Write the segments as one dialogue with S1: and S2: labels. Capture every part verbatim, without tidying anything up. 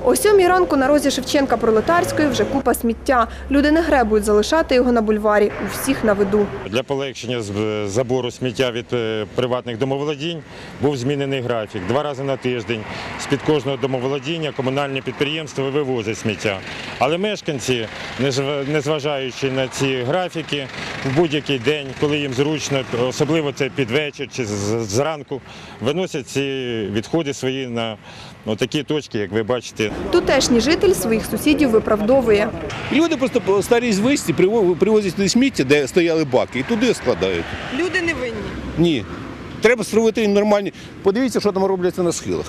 S1: О сьомій ранку на розі Шевченка-Пролетарської вже купа сміття. Люди не гребують залишати його на бульварі. У всіх на виду.
S2: Для полегшення забору сміття від приватних домоволодінь був змінений графік. Два рази на тиждень з-під кожного домоволодіння комунальні підприємства вивозять сміття. Але мешканці, незважаючи на ці графіки, в будь-який день, коли їм зручно, особливо це під вечір чи зранку, виносять ці відходи свої на такі точки, як ви бачите.
S1: Тутешній житель своїх сусідів виправдовує.
S3: Люди просто по старій звичці привозять туди сміття, де стояли баки, і туди складають.
S1: Люди не винні?
S3: Ні. Треба створити нормальні. Подивіться, що там робляться на схилах.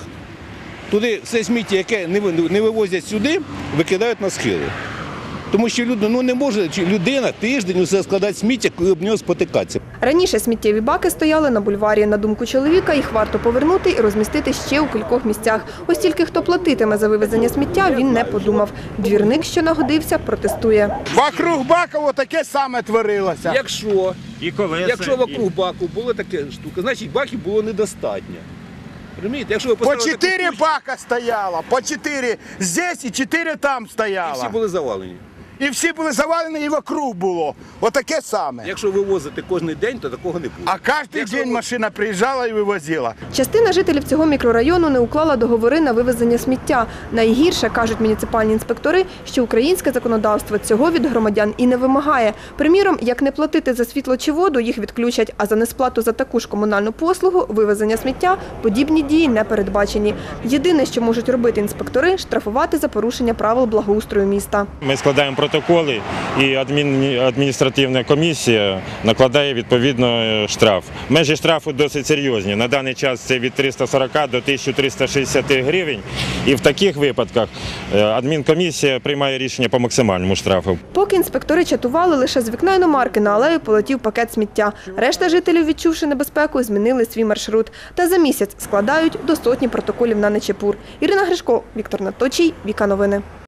S3: Туди все сміття, яке не вивозять сюди, викидають на схили. Тому що люди, ну не може людина тиждень усе складати сміття, коли об нього спотикатися.
S1: Раніше сміттєві баки стояли на бульварі. На думку чоловіка, їх варто повернути і розмістити ще у кількох місцях. Ось тільки хто платитиме за вивезення сміття, він не подумав. Двірник, що нагодився, протестує.
S4: Вокруг бака таке саме творилося.
S3: Якщо,
S2: І колеса,
S3: якщо вокруг баку була така штука, значить баків було недостатньо. Розумієте? Якщо ви
S4: По чотири бака стояло, по чотири здесь і чотири там стояло.
S3: І всі були завалені.
S4: І всі були завалені, і вокруг було. Отаке саме.
S3: Якщо вивозити кожен день, то такого не буде.
S4: А кожен
S3: Якщо
S4: день
S3: ви...
S4: машина приїжджала і вивозила.
S1: Частина жителів цього мікрорайону не уклала договори на вивезення сміття. Найгірше, кажуть муніципальні інспектори, що українське законодавство цього від громадян і не вимагає. Приміром, як не платити за світло чи воду, їх відключать, а за несплату за таку ж комунальну послугу – вивезення сміття – подібні дії не передбачені. Єдине, що можуть робити інспектори – штрафувати за порушення правил благоустрою міста.
S2: Ми складаємо протоколи, і адміністративна комісія накладає відповідно штраф. Межі штрафу досить серйозні. На даний час це від трьохсот сорока до тисячі трьохсот шістдесят гривень. І в таких випадках адмінкомісія приймає рішення по максимальному штрафу.
S1: Поки інспектори чатували, лише з вікна іномарки на алею полетів пакет сміття. Решта жителів, відчувши небезпеку, змінили свій маршрут. Та за місяць складають до сотні протоколів на нечепур. Ірина Гришко, Віктор Наточій, Віка Новини.